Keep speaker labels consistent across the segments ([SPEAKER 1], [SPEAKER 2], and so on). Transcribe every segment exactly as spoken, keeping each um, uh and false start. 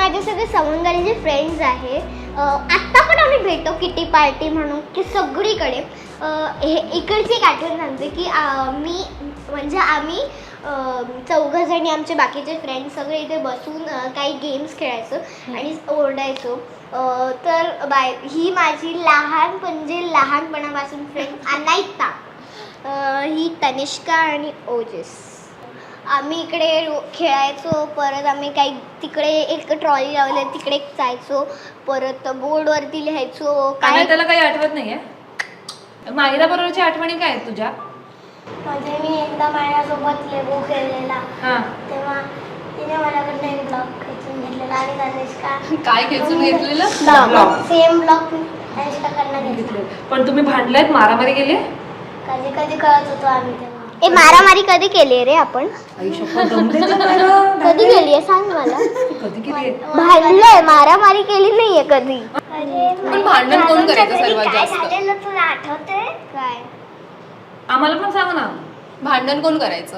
[SPEAKER 1] माझे सगळे सवंगडीचे फ्रेंड्स आहे. आत्ता पण आम्ही भेटतो किटी पार्टी म्हणून की सगळीकडे. हे इकडची एक आठवण सांगते की मी म्हणजे आम्ही चौघं जणी आमचे बाकीचे फ्रेंड्स सगळे इथे बसून काही गेम्स खेळायचो आणि ओरडायचो. तर बाय ही माझी लहान म्हणजे लहानपणापासून फ्रेंड अनायता, ही तनिष्का आणि ओजस. आम्ही इकडे खेळायचो. परत आम्ही काही तिकडे एक ट्रॉली लावली तिकडे जायचो. परत बोर्डवरती लिहायचो.
[SPEAKER 2] काय त्याला काही आठवत नाहीये? मायरा बरोबरची आठवणी काय आहेत तुझ्या?
[SPEAKER 1] म्हणजे मी एकदा माझ्यासोबत लेगो खेळलेला तेव्हा तिने माझ्याकडनं एक ब्लॉक खेचून घेतलेला आणि तनिष्का
[SPEAKER 3] काय खेचून घेतलेलं?
[SPEAKER 1] सेम ब्लॉक तनिष्काकडनं घेतलेला.
[SPEAKER 2] पण तुम्ही भांडलात, मारामारी गेली?
[SPEAKER 1] कधी कधी कळत होतो आम्ही तेव्हा. ए मारामारी कधी केली रे आपण? कधी केली आहे सांग मला.
[SPEAKER 2] कधी केली?
[SPEAKER 1] भांडलंय, मारामारी केली नाहीये कधी.
[SPEAKER 3] पण भांडण कोण करायचं सर्वात जास्त?
[SPEAKER 1] तुला आठवतंय काय?
[SPEAKER 2] आम्हाला पण सांग ना.
[SPEAKER 3] भांडण कोण करायचं?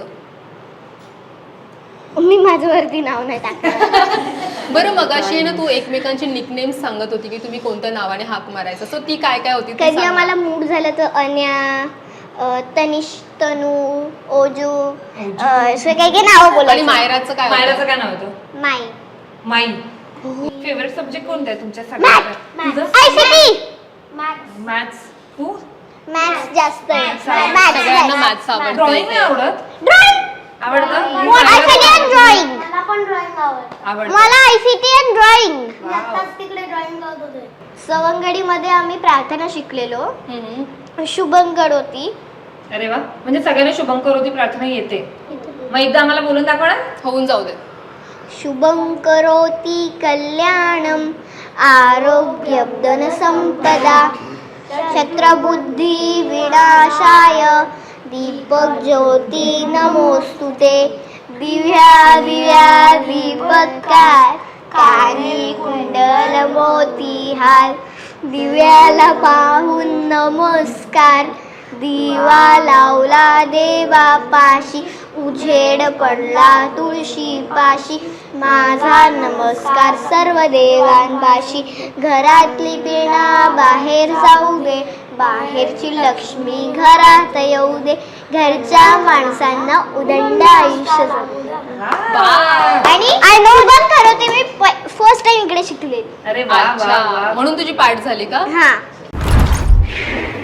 [SPEAKER 1] मी माझ्यावरती नाव नाही टाकत.
[SPEAKER 3] बरं मगाशी ना तू एकमेकांची निकनेम्स सांगत होती की तुम्ही कोणत्या नावाने हाक मारायचं, सो ती काय काय होती?
[SPEAKER 1] कधी आम्हाला मूड झालं तर अन्या, तनिष, तनू, ओजू असं काही काही नावं बोलायची.
[SPEAKER 3] आणि मायराचं काय?
[SPEAKER 2] मायराचं काय नाव होतं?
[SPEAKER 1] माई.
[SPEAKER 2] माई. फेवरेट सब्जेक्ट कोणता आहे तुमच्या सगळ्यांचा? मॅथ्स. तू?
[SPEAKER 1] मॅथ्स जास्त आहे.
[SPEAKER 3] सगळ्यांना मॅथ्स आवडतं.
[SPEAKER 2] ड्रॉइंग नाही आवडत? आवडतं?
[SPEAKER 1] ICT and drawing. मला पण ड्रॉइंग आवडतं. मला आयसीटी अँड ड्रॉइंग. आत्ताच तिकडे ड्रॉइंग करत होते. सवंगडीमध्ये आम्ही प्रार्थना शिकलेलो. शुभंकर होती.
[SPEAKER 2] अरे वा, म्हणजे सगळ्यांना शुभंकर होती प्रार्थना येते. मग एकदा आम्हाला बोलून दाखवा ना.
[SPEAKER 3] होऊन जाऊ दे.
[SPEAKER 1] शुभंकरोति कल्याणम आरोग्यं धनसंपदा शत्रबुद्धि विनाशाय दीपक ज्योति नमोस्तुते. दिव्या दिव्या दीपत्कार कानी कुंडल मोतीहार दिव्याला पाहून नमस्कार. दिवा लावला देवा पाशी उजेड पडला तुळशी पाशी. माझा नमस्कार सर्व देवांपाशी. घरातली पिणा बाहेर जाऊ दे, बाहेरची लक्ष्मी घरात येऊ दे. घरच्या माणसांना उदंड आयुष्य जगू दे. आणि आय नो पण खरं होते मी फर्स्ट टाइम इकडे शिकले.
[SPEAKER 2] अरे वा वा वा.
[SPEAKER 3] म्हणून तुझी पाठ झाली का?
[SPEAKER 1] हा.